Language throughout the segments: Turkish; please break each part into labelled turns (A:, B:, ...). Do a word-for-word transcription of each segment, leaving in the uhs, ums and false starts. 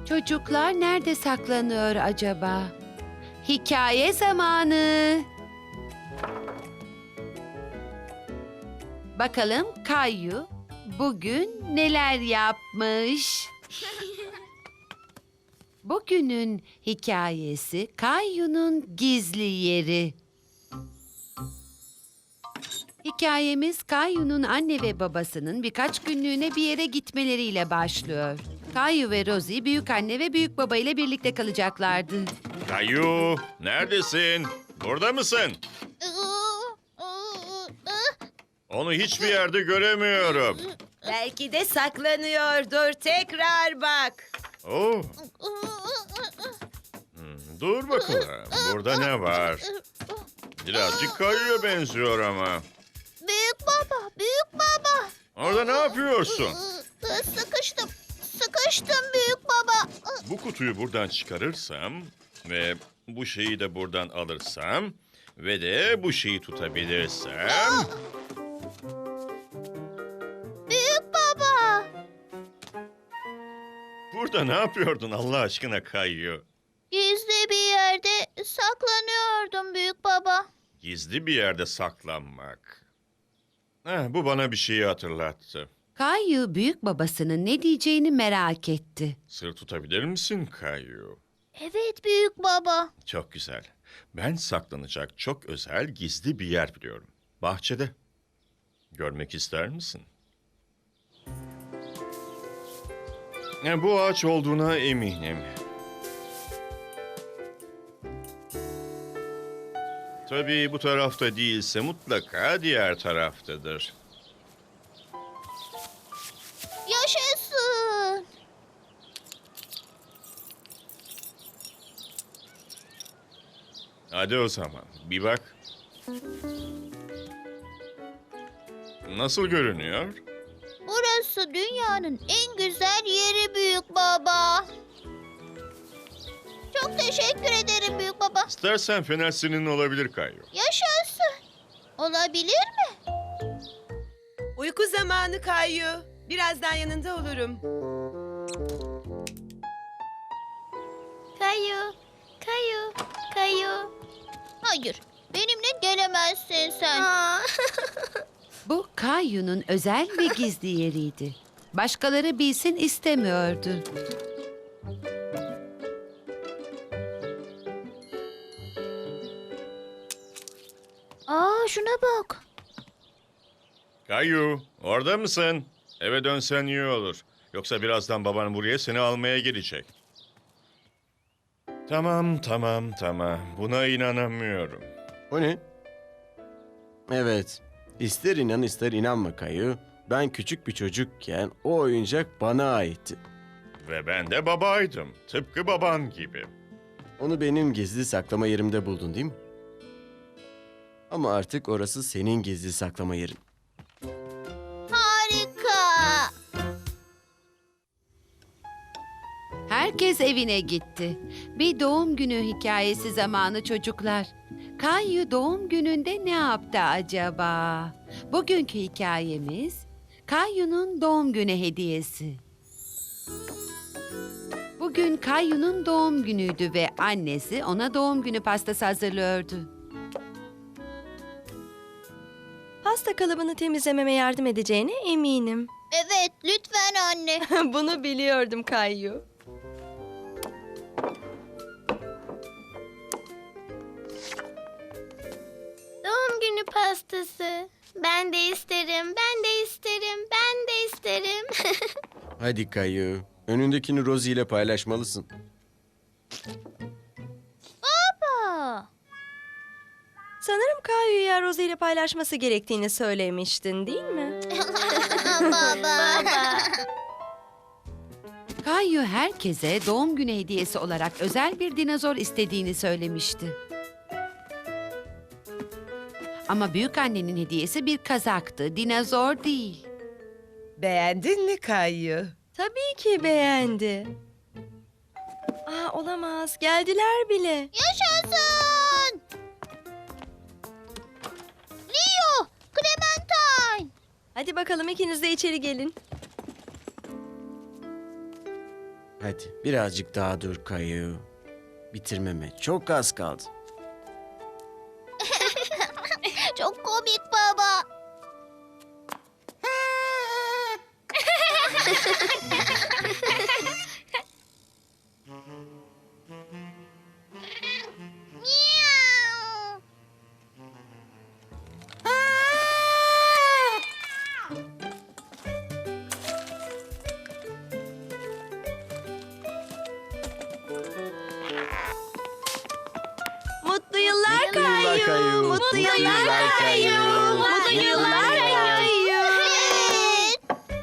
A: Çocuklar nerede saklanıyor acaba? Hikaye zamanı. Bakalım Kayu bugün neler yapmış? Bugünün hikayesi Kayu'nun gizli yeri. Hikayemiz Kayu'nun anne ve babasının birkaç günlüğüne bir yere gitmeleriyle başlıyor. Kayu ve Rosie büyük anne ve büyük baba ile birlikte kalacaklardı.
B: Kayu, neredesin? Burada mısın? Onu hiçbir yerde göremiyorum.
C: Belki de saklanıyordur. Tekrar bak.
B: Oh. Hmm, dur bakalım. Burada ne var? Birazcık Kayu'ya benziyor ama.
D: Büyük baba, büyük baba.
B: Orada ne yapıyorsun?
D: Sıkıştım, sıkıştım büyük baba.
B: Bu kutuyu buradan çıkarırsam ve bu şeyi de buradan alırsam ve de bu şeyi tutabilirsem...
D: Büyük baba.
B: Burada ne yapıyordun Allah aşkına Kayu?
D: Gizli bir yerde saklanıyordum büyük baba.
B: Gizli bir yerde saklanmak. Heh, bu bana bir şeyi hatırlattı.
A: Kayu büyük babasının ne diyeceğini merak etti.
B: Sır tutabilir misin Kayu?
D: Evet büyük baba.
B: Çok güzel. Ben saklanacak çok özel gizli bir yer biliyorum. Bahçede. Görmek ister misin? E, bu ağaç olduğuna eminim. Tabii bu tarafta değilse mutlaka diğer taraftadır.
D: Yaşasın.
B: Hadi o zaman bir bak. Nasıl görünüyor?
D: Burası dünyanın en güzel yeri büyük baba. Çok teşekkür ederim büyük baba.
B: İstersen fener senin olabilir Kayu.
D: Yaşasın. Olabilir mi?
C: Uyku zamanı Kayu. Birazdan yanında olurum.
D: Kayu, kayu, kayu. Hayır, benimle gelemezsin sen.
A: Bu Kayu'nun özel ve gizli yeriydi. Başkaları bilsin istemiyordu.
D: Aa, şuna bak.
B: Kayu, orada mısın? Eve dönsen iyi olur. Yoksa birazdan baban buraya seni almaya gelecek. Tamam, tamam, tamam. Buna inanamıyorum.
E: O ne? Evet. İster inan ister inanma Kayu. Ben küçük bir çocukken o oyuncak bana aitti.
B: Ve ben de babaydım. Tıpkı baban gibi.
E: Onu benim gizli saklama yerimde buldun değil mi? Ama artık orası senin gizli saklama yerin.
D: Harika.
A: Herkes evine gitti. Bir doğum günü hikayesi zamanı çocuklar. Kayu doğum gününde ne yaptı acaba? Bugünkü hikayemiz Kayu'nun doğum günü hediyesi. Bugün Kayu'nun doğum günüydü ve annesi ona doğum günü pastası hazırlıyordu.
F: Pasta kalıbını temizlememe yardım edeceğine eminim.
D: Evet, lütfen anne.
F: Bunu biliyordum Kayyu.
D: Doğum günü pastası. Ben de isterim, ben de isterim, ben de isterim.
E: Hadi Kayu. Önündekini Rosie ile paylaşmalısın.
D: Baba.
F: Sanırım Kayyu'ya Rosie ile paylaşması gerektiğini söylemiştin değil mi?
D: Baba.
A: Kayu herkese doğum günü hediyesi olarak özel bir dinozor istediğini söylemişti. Ama büyük annenin hediyesi bir kazaktı, dinozor değil.
C: Beğendin mi Kayu?
F: Tabii ki beğendi. Aa, olamaz. Geldiler bile.
D: Yaşasın. Leo, Clementine.
F: Hadi bakalım ikiniz de içeri gelin.
E: Hadi birazcık daha dur Kayu. Bitirmeme çok az kaldı.
D: Çok komik baba. Miau.
F: Mutlu yıllar
E: Mutlu yıllar
F: Kayu.
E: Kayu.
F: Mutlu yıllar Kayu. Mutlu yıllar Kayu.
D: Evet.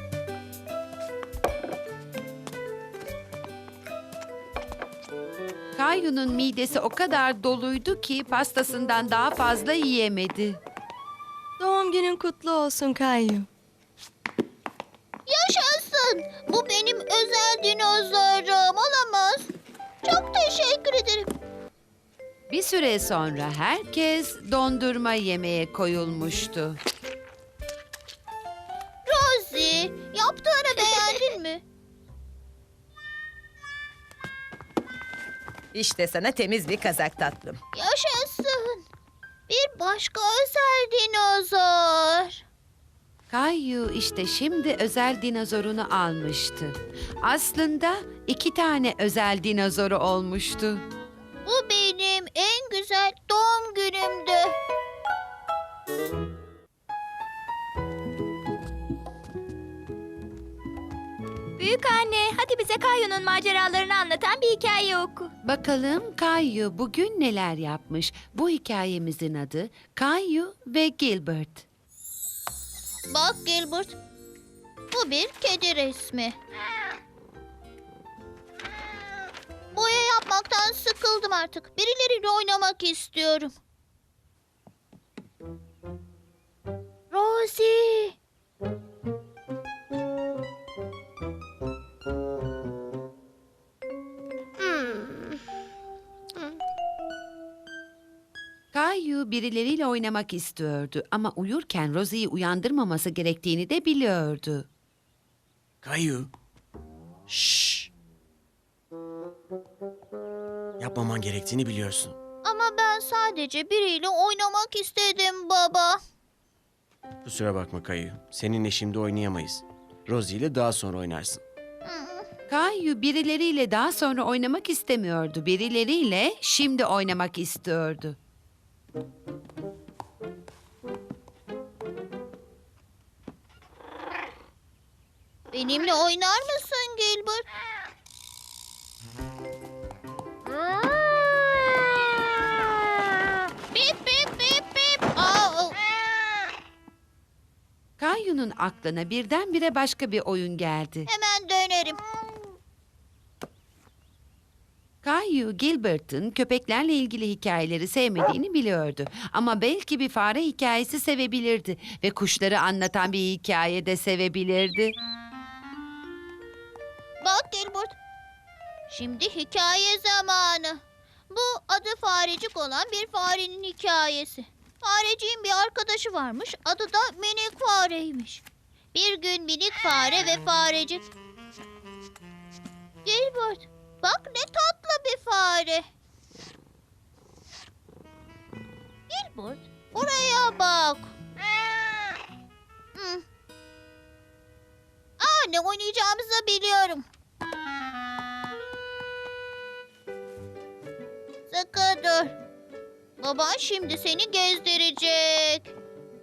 A: Kayu'nun midesi o kadar doluydu ki pastasından daha fazla yiyemedi.
F: Doğum günün kutlu olsun Kayu.
D: Yaşasın. Bu benim özel dinozorum. Olamaz. Çok teşekkür ederim.
A: Bir süre sonra herkes dondurma yemeye koyulmuştu.
D: Rosie, yaptığını beğendin mi?
C: İşte sana temiz bir kazak tatlım.
D: Yaşasın. Bir başka özel dinozor.
A: Kayu işte şimdi özel dinozorunu almıştı. Aslında iki tane özel dinozoru olmuştu.
D: Bu benim en güzel doğum günümdü. Büyük anne, hadi bize Kayu'nun maceralarını anlatan bir hikaye oku.
A: Bakalım Kayu bugün neler yapmış? Bu hikayemizin adı Kayu ve Gilbert.
D: Bak Gilbert, bu bir kedi resmi. Boya yapmaktan sıkıldım artık. Birileriyle oynamak istiyorum. Rosie. Hmm.
A: Kayu birileriyle oynamak istiyordu ama uyurken Rosie'yi uyandırmaması gerektiğini de biliyordu.
E: Kayu. Şşş. Yapmaman gerektiğini biliyorsun.
D: Ama ben sadece biriyle oynamak istedim baba.
E: Kusura bakma Kayu. Seninle şimdi oynayamayız. Rosie ile daha sonra oynarsın.
A: Kayu birileriyle daha sonra oynamak istemiyordu. Birileriyle şimdi oynamak istiyordu.
D: Benimle oynar mısın Gilbert? Bip bip bip bip. Aa,
A: Kayu'nun aklına birdenbire başka bir oyun geldi.
D: hemen dönerim.
A: Kayu, Gilbert'ın köpeklerle ilgili hikayeleri sevmediğini biliyordu. Ama belki bir fare hikayesi sevebilirdi ve kuşları anlatan bir hikaye de sevebilirdi.
D: Bak Gilbert. Şimdi hikaye zamanı. Bu adı Farecik olan bir farenin hikayesi. Fareciğin bir arkadaşı varmış. Adı da Minik Fareymiş. Bir gün Minik Fare ve Farecik. Gilbert, bak ne tatlı bir fare. Gilbert, oraya bak. Hmm. Aa, ne oynayacağımızı biliyorum. Sıkı dur. Baban şimdi seni gezdirecek.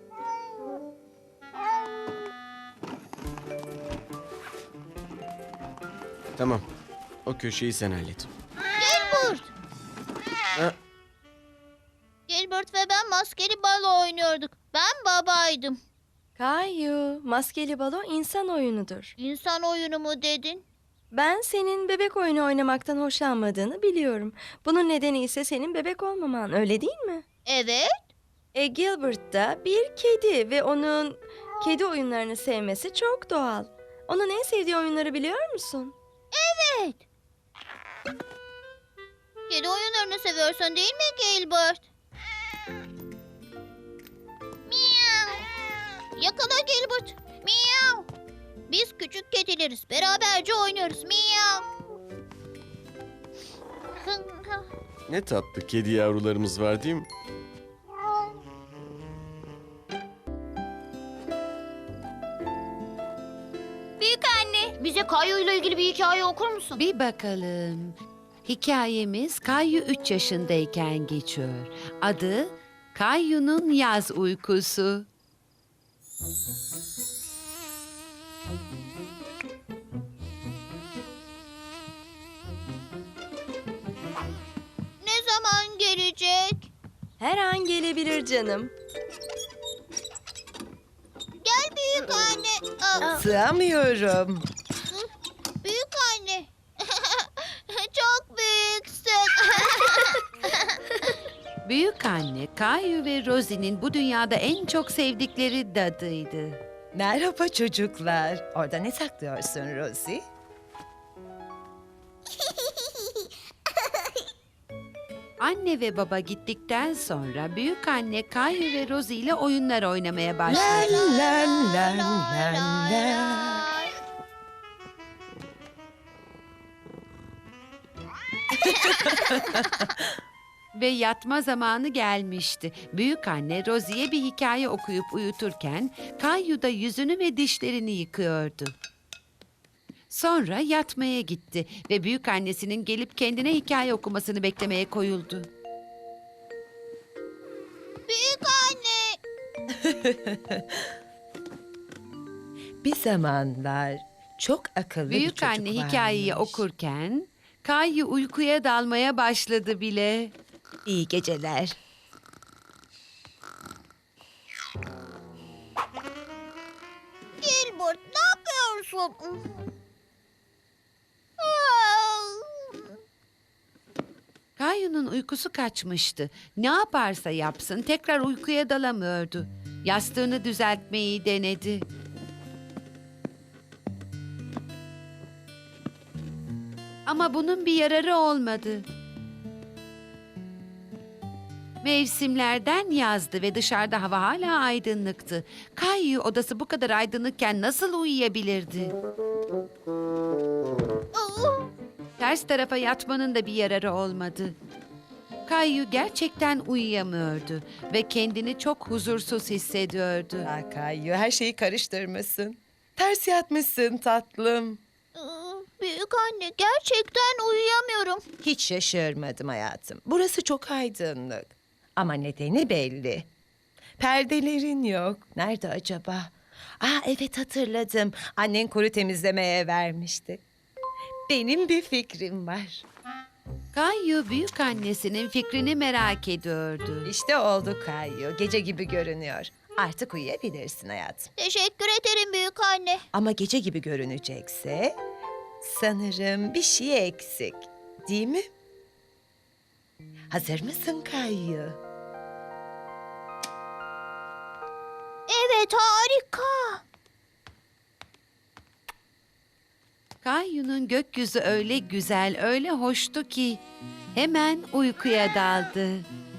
E: Tamam. O köşeyi sen hallet.
D: Gilbert.
E: Ha,
D: Gilbert ve ben maskeli balo oynuyorduk. Ben babaydım.
F: Kayu, maskeli balo insan oyunudur.
D: İnsan oyunu mu dedin?
F: Ben senin bebek oyunu oynamaktan hoşlanmadığını biliyorum. Bunun nedeni ise senin bebek olmaman, öyle değil mi?
D: Evet.
F: E Gilbert da bir kedi ve onun kedi oyunlarını sevmesi çok doğal. Onun en sevdiği oyunları biliyor musun?
D: Evet. Kedi oyunlarını seviyorsun değil mi Gilbert? Miau. Yakala Gilbert. Miau. Biz küçük kedileriz. Beraberce oynuyoruz. Miau.
E: Ne tatlı kedi yavrularımız var değil mi?
D: Büyük anne, bize Kayu ile ilgili bir hikaye okur musun?
A: Bir bakalım. Hikayemiz Kayu üç yaşındayken geçiyor. Adı Kayu'nun Yaz Uykusu.
D: Ne zaman gelecek?
F: Her an gelebilir canım.
D: Gel büyük anne. Aa,
C: Sığamıyorum.
D: büyük anne. Çok büyüksün.
A: Büyük anne Kayu ve Rosie'nin bu dünyada en çok sevdikleri dadıydı.
C: Merhaba çocuklar. Orada ne saklıyorsun Rosie?
A: Anne ve baba gittikten sonra büyük anne Kayu ve Rosie ile oyunlar oynamaya başladı.
C: Lan lan lan lan lan.
A: Ve yatma zamanı gelmişti. Büyük anne Rosie'ye bir hikaye okuyup uyuturken Kayu da yüzünü ve dişlerini yıkıyordu. Sonra yatmaya gitti ve büyük annesinin gelip kendine hikaye okumasını beklemeye koyuldu.
D: Büyük anne.
C: Bir zamanlar çok akıllı bir
A: Büyük
C: çocuk
A: anne hikayeyi
C: varmış.
A: okurken Kayu uykuya dalmaya başladı bile.
C: İyi geceler.
D: Gilbert, ne yapıyorsun?
A: Kayu'nun uykusu kaçmıştı. Ne yaparsa yapsın tekrar uykuya dalamıyordu. Yastığını düzeltmeyi denedi. Ama bunun bir yararı olmadı. Mevsimlerden yazdı ve dışarıda hava hala aydınlıktı. Kayu odası bu kadar aydınlıkken nasıl uyuyabilirdi? Ters tarafa yatmanın da bir yararı olmadı. Kayu gerçekten uyuyamıyordu ve kendini çok huzursuz hissediyordu.
C: Ah Kayu, her şeyi karıştırmışsın. Ters yatmışsın tatlım.
D: Büyük anne, gerçekten uyuyamıyorum.
C: Hiç şaşırmadım hayatım. Burası çok aydınlık. Ama nedeni belli. Perdelerin yok. Nerede acaba? Aa evet hatırladım. Annen kuru temizlemeye vermişti. Benim bir fikrim var.
A: Kayu büyük annesinin fikrini merak ediyordu.
C: İşte oldu Kayu. Gece gibi görünüyor. Artık uyuyabilirsin hayatım.
D: Teşekkür ederim büyük anne.
C: Ama gece gibi görünecekse sanırım bir şey eksik. Değil mi? Hazır mısın Kayu?
D: Evet, harika.
A: Kayu'nun gökyüzü öyle güzel, öyle hoştu ki hemen uykuya daldı.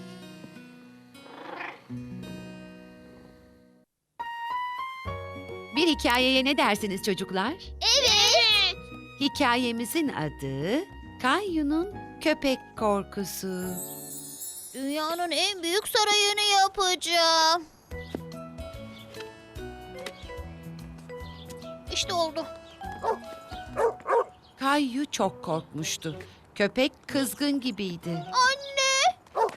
A: Bir hikayeye ne dersiniz çocuklar?
D: Evet.
A: Hikayemizin adı Kayu'nun Köpek Korkusu.
D: Dünyanın en büyük sarayını yapacağım. İşte oldu.
A: Kayu çok korkmuştu. Köpek kızgın gibiydi.
D: Anne!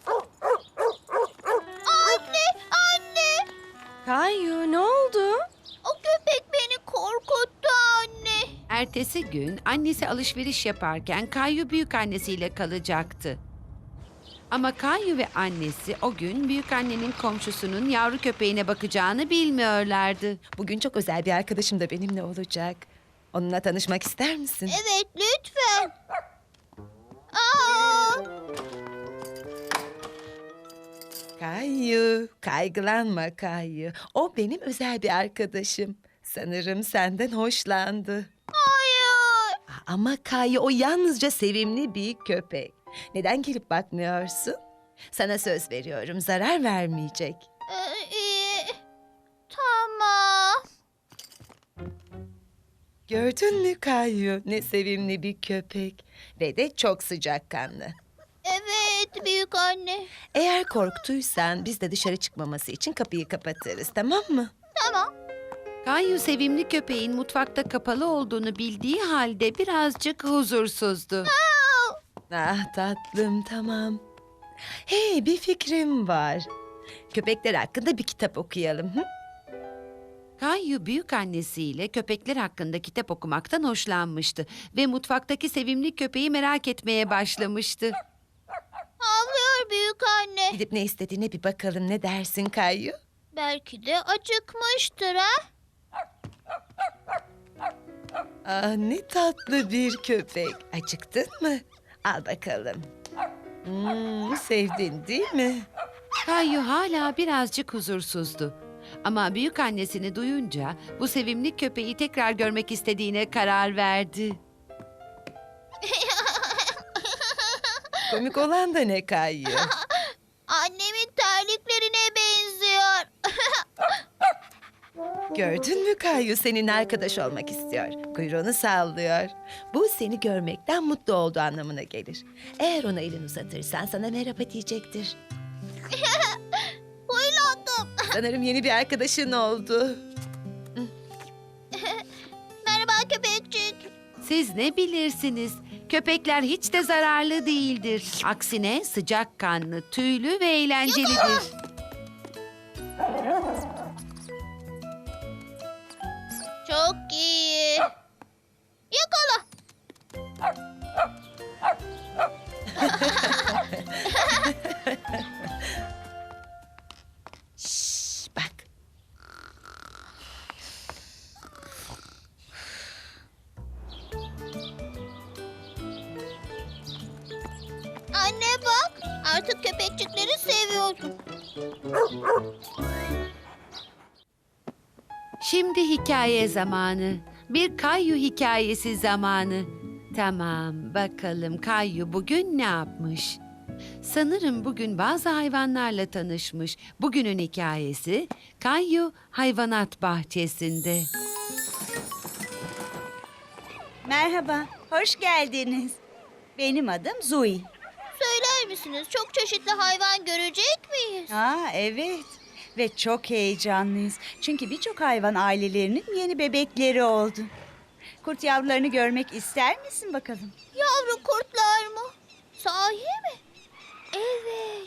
D: Anne! Anne!
F: Kayu ne oldu?
D: O köpek beni korkuttu anne.
A: Ertesi gün annesi alışveriş yaparken Kayu büyük annesiyle kalacaktı. Ama Kayu ve annesi o gün büyük annenin komşusunun yavru köpeğine bakacağını bilmiyorlardı.
C: Bugün çok özel bir arkadaşım da benimle olacak. Onunla tanışmak ister misin?
D: Evet, lütfen. Aa!
C: Kayu, kaygılanma Kayu. O benim özel bir arkadaşım. Sanırım senden hoşlandı.
D: Hayır.
C: Ama Kayu o yalnızca sevimli bir köpek. Neden gelip bakmıyorsun? Sana söz veriyorum zarar vermeyecek.
D: Ee, iyi. Tamam.
C: Gördün mü Kayu? Ne sevimli bir köpek. Ve de çok sıcakkanlı.
D: Evet büyük anne.
C: Eğer korktuysan biz de dışarı çıkmaması için kapıyı kapatırız, tamam mı?
D: Tamam.
A: Kayu sevimli köpeğin mutfakta kapalı olduğunu bildiği halde birazcık huzursuzdu.
C: Ah tatlım, tamam. Hey, bir fikrim var. Köpekler hakkında bir kitap okuyalım. Hı?
A: Kayu büyük annesiyle köpekler hakkında kitap okumaktan hoşlanmıştı ve mutfaktaki sevimli köpeği merak etmeye başlamıştı.
D: Havlıyor büyük anne.
C: Gidip ne istediğine bir bakalım, ne dersin Kayu?
D: Belki de acıkmıştır ha?
C: Ah, ne tatlı bir köpek. Acıktın mı? Al bakalım. Hmm, sevdin değil mi?
A: Kayu hala birazcık huzursuzdu. Ama büyük annesini duyunca bu sevimli köpeği tekrar görmek istediğine karar verdi.
C: Komik olan da ne Kayu?
D: Annemin terliklerine benziyor.
C: Gördün mü Kayu, seninle arkadaş olmak istiyor. Kuyruğunu sallıyor. Bu seni görmekten mutlu olduğu anlamına gelir. Eğer ona elini uzatırsan sana merhaba diyecektir.
D: Huylandım.
C: Sanırım yeni bir arkadaşın oldu.
D: Merhaba köpekçik.
A: Siz ne bilirsiniz? Köpekler hiç de zararlı değildir. Aksine sıcakkanlı, tüylü ve eğlencelidir.
D: Çok iyi. Yakala.
C: Şşş, bak.
D: Anne bak. Artık köpekçikleri seviyorum.
A: Şimdi hikaye zamanı. Bir Kayu hikayesi zamanı. Tamam, bakalım Kayu bugün ne yapmış? Sanırım bugün bazı hayvanlarla tanışmış. Bugünün hikayesi Kayu Hayvanat Bahçesi'nde.
G: Merhaba, hoş geldiniz. Benim adım Zoe.
D: Söyler misiniz çok çeşitli hayvan görecek miyiz?
G: Aa, evet. Ve çok heyecanlıyız. Çünkü birçok hayvan ailelerinin yeni bebekleri oldu. Kurt yavrularını görmek ister misin bakalım?
D: Yavru kurtlar mı? Sahi mi? Evet.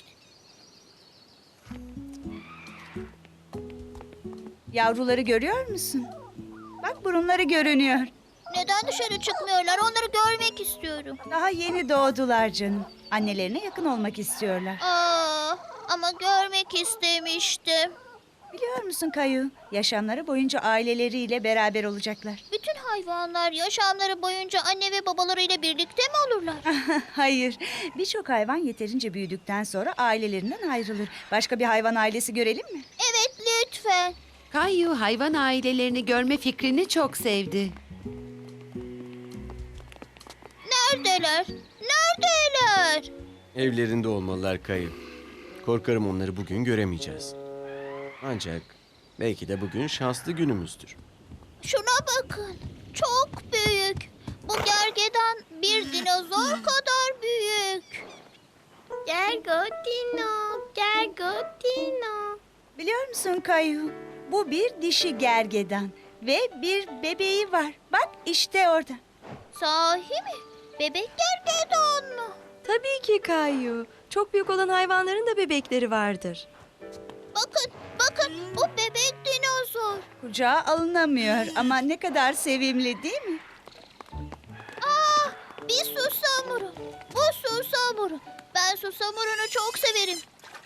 G: Yavruları görüyor musun? Bak burunları görünüyor.
D: Neden dışarı çıkmıyorlar? Onları görmek istiyorum.
G: Daha yeni doğdular canım. Annelerine yakın olmak istiyorlar.
D: Aa, ama görmek istemiştim.
G: Biliyor musun Kayu? Yaşamları boyunca aileleriyle beraber olacaklar.
D: Bütün hayvanlar yaşamları boyunca anne ve babalarıyla birlikte mi olurlar?
G: Hayır. Birçok hayvan yeterince büyüdükten sonra ailelerinden ayrılır. Başka bir hayvan ailesi görelim mi?
D: Evet lütfen.
A: Kayu hayvan ailelerini görme fikrini çok sevdi.
D: Neredeler? Neredeler?
E: Evlerinde olmalılar Kayu. Korkarım onları bugün göremeyeceğiz. Ancak belki de bugün şanslı günümüzdür.
D: Şuna bakın. Çok büyük. Bu gergedan bir dinozor kadar büyük. Gergotino, Gergotino.
G: Biliyor musun Kayu? Bu bir dişi gergedan ve bir bebeği var. Bak işte orada.
D: Sahi mi? Bebek gergedan mı?
F: Tabii ki Kayu. Çok büyük olan hayvanların da bebekleri vardır.
D: Bakın, bakın bu bebek dinozor.
G: Kucağa alınamıyor ama ne kadar sevimli değil mi?
D: Aa, bir susamuru. Bu susamuru. Ben susamurunu çok severim.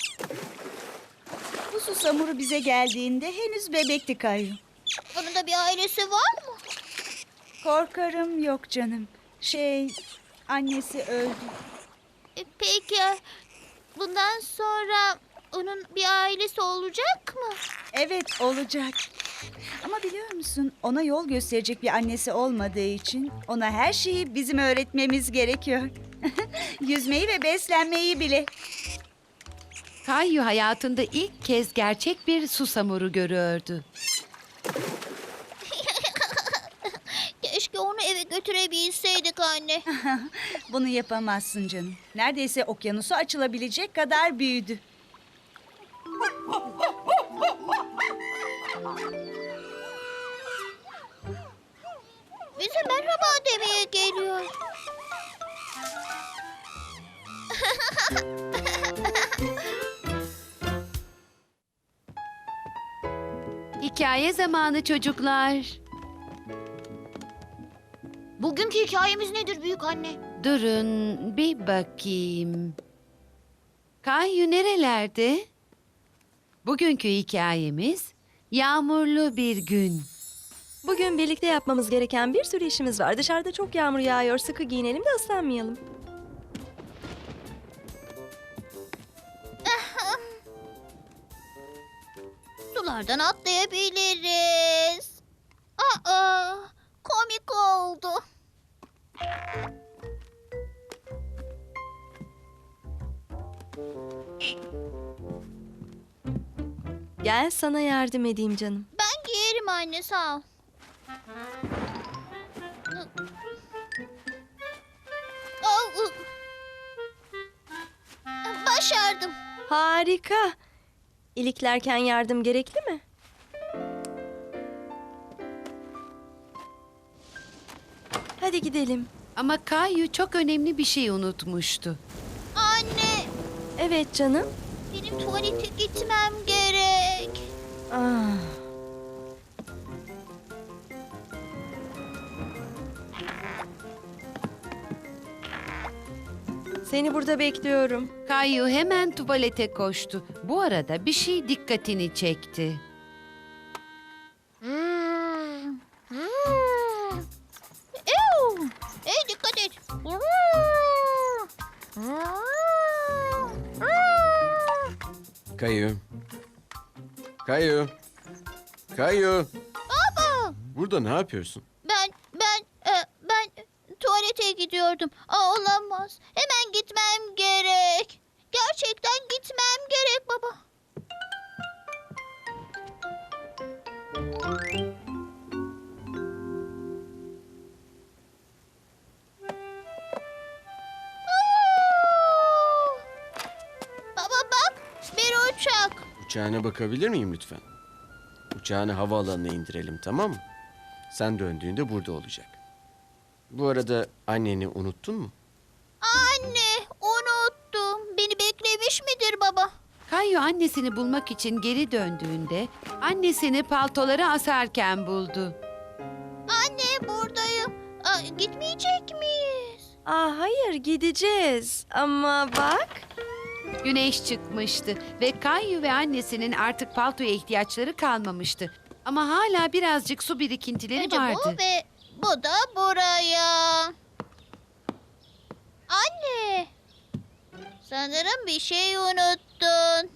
G: Bu susamuru bize geldiğinde henüz bebekti Kayu.
D: Onun da bir ailesi var mı?
G: Korkarım yok canım. Şey, annesi öldü.
D: E, peki bundan sonra onun bir ailesi olacak mı?
G: Evet olacak. Ama biliyor musun ona yol gösterecek bir annesi olmadığı için ona her şeyi bizim öğretmemiz gerekiyor. Yüzmeyi ve beslenmeyi bile.
A: Kayu hayatında ilk kez gerçek bir susamuru görüyordu.
D: Keşke onu eve götürebilseydik anne.
G: Bunu yapamazsın canım. Neredeyse okyanusu açılabilecek kadar büyüdü.
D: Bize merhaba demeye geliyor.
A: Hikaye zamanı çocuklar.
D: Bugünkü hikayemiz nedir büyük anne?
A: Durun bir bakayım. Kayu nerelerde? Bugünkü hikayemiz yağmurlu bir gün.
F: Bugün birlikte yapmamız gereken bir sürü işimiz var. Dışarıda çok yağmur yağıyor. Sıkı giyinelim de ıslanmayalım.
D: Sulardan atlayabiliriz. Aa, komik oldu.
F: Gel sana yardım edeyim canım.
D: Ben giyerim anne, sağ ol. Au, ı. Başardım.
F: Harika. İliklerken yardım gerekli mi? Hadi gidelim.
A: Ama Kayu çok önemli bir şey unutmuştu.
D: Anne,
F: Evet canım.
D: benim tuvalete gitmem gerek.
F: Ah. Seni burada bekliyorum.
A: Kayu hemen tuvalete koştu. Bu arada bir şey dikkatini çekti.
D: Ew! Hey, dikkat et.
E: Kayu. Kayu. Kayu.
D: Baba,
E: Burada ne yapıyorsun?
D: ben ben e, ben tuvalete gidiyordum. Aa, olamaz. Hemen gitmem gerek. Gerçekten gitmem gerek baba. Aa! Baba bak, bir uçak.
E: Uçağına bakabilir miyim lütfen? Uçağını havaalanına indirelim, tamam mı? Sen döndüğünde burada olacak. Bu arada anneni unuttun mu?
D: Anne, unuttum. Beni beklemiş midir baba?
A: Kayu annesini bulmak için geri döndüğünde annesini paltoları asarken buldu.
D: Anne, buradayım. Aa, gitmeyecek miyiz?
F: Aa, hayır gideceğiz. Ama bak.
A: Güneş çıkmıştı ve Kayu ve annesinin artık paltoya ihtiyaçları kalmamıştı. Ama hala birazcık su birikintileri
D: Önce
A: vardı.
D: bu ve bu da buraya. Anne, sanırım bir şey unuttun.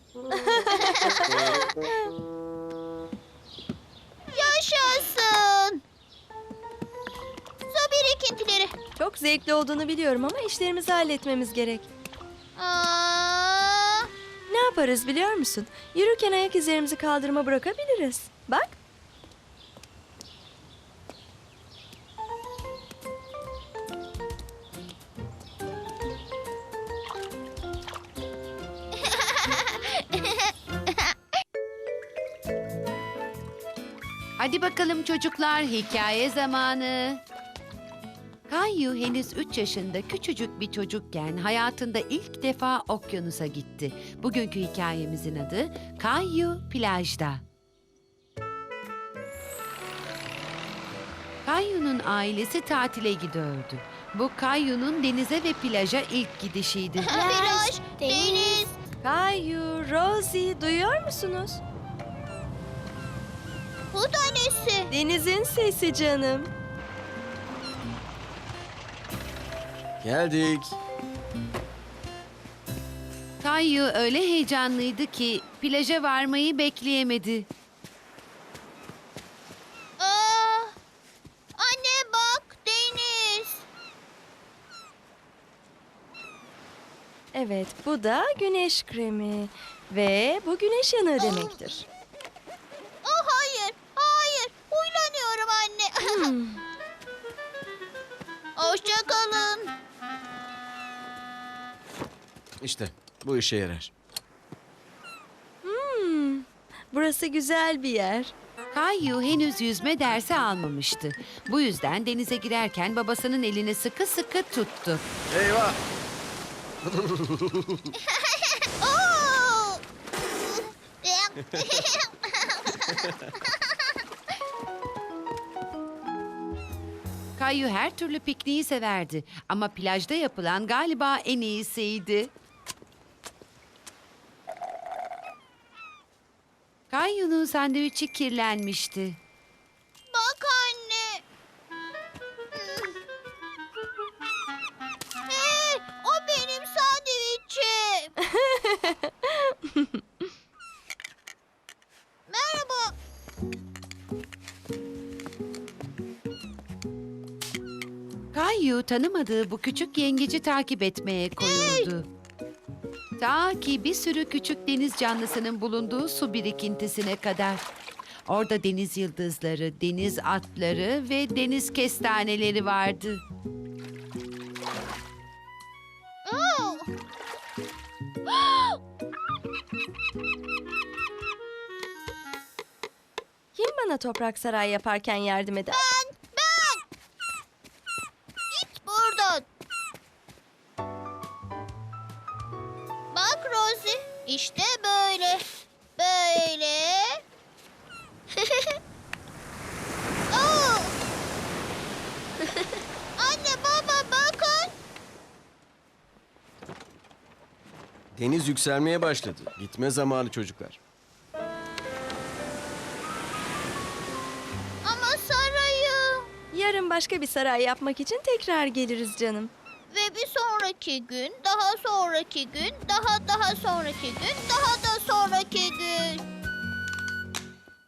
D: Yaşasın. Su birikintileri.
F: Çok zevkli olduğunu biliyorum ama işlerimizi halletmemiz gerek.
D: Aa,
F: Ne yaparız biliyor musun? Yürürken ayak izlerimizi kaldırıma bırakabiliriz. Bak.
A: Hadi bakalım çocuklar, hikaye zamanı. Kayu henüz üç yaşında küçücük bir çocukken hayatında ilk defa okyanusa gitti. Bugünkü hikayemizin adı Kayu Plajda. Kayu'nun ailesi tatile gidiyordu. Bu Kayu'nun denize ve plaja ilk gidişiydi.
D: Plaj, deniz.
F: Kayu, Rosie duyuyor musunuz?
D: Bu da nesi?
F: Denizin sesi canım.
E: Geldik.
A: Kayu öyle heyecanlıydı ki plaja varmayı bekleyemedi.
D: Aa, anne bak, deniz.
F: Evet, bu da güneş kremi. Ve bu güneş yanığı demektir.
D: Oh, hayır, hayır. Huylanıyorum anne.
F: Hmm.
D: Hoşça kalın.
E: İşte bu işe yarar.
F: Burası güzel bir yer.
A: Kayu henüz yüzme dersi almamıştı. Bu yüzden denize girerken babasının elini sıkı sıkı tuttu.
E: Eyvah!
D: Oo!
A: Kayu her türlü pikniği severdi ama plajda yapılan galiba en iyisiydi. Kayu'nun sandviçi kirlenmişti.
D: Bak anne. Hey, o benim sandviçim. Merhaba.
A: Kayu tanımadığı bu küçük yengeci takip etmeye koyuldu. Ta ki bir sürü küçük deniz canlısının bulunduğu su birikintisine kadar. Orada deniz yıldızları, deniz atları ve deniz kestaneleri vardı.
D: Oo.
F: Kim bana toprak saray yaparken yardım eder?
D: Ben, ben. Git buradan. Bak Rosie, işte böyle. Böyle. Oo. Anne, baba bakın.
E: Deniz yükselmeye başladı. Gitme zamanı çocuklar.
D: Ama sarayı.
F: Yarın başka bir saray yapmak için tekrar geliriz canım.
D: Ve bir sonraki gün, daha sonraki gün, daha daha sonraki gün, daha da sonraki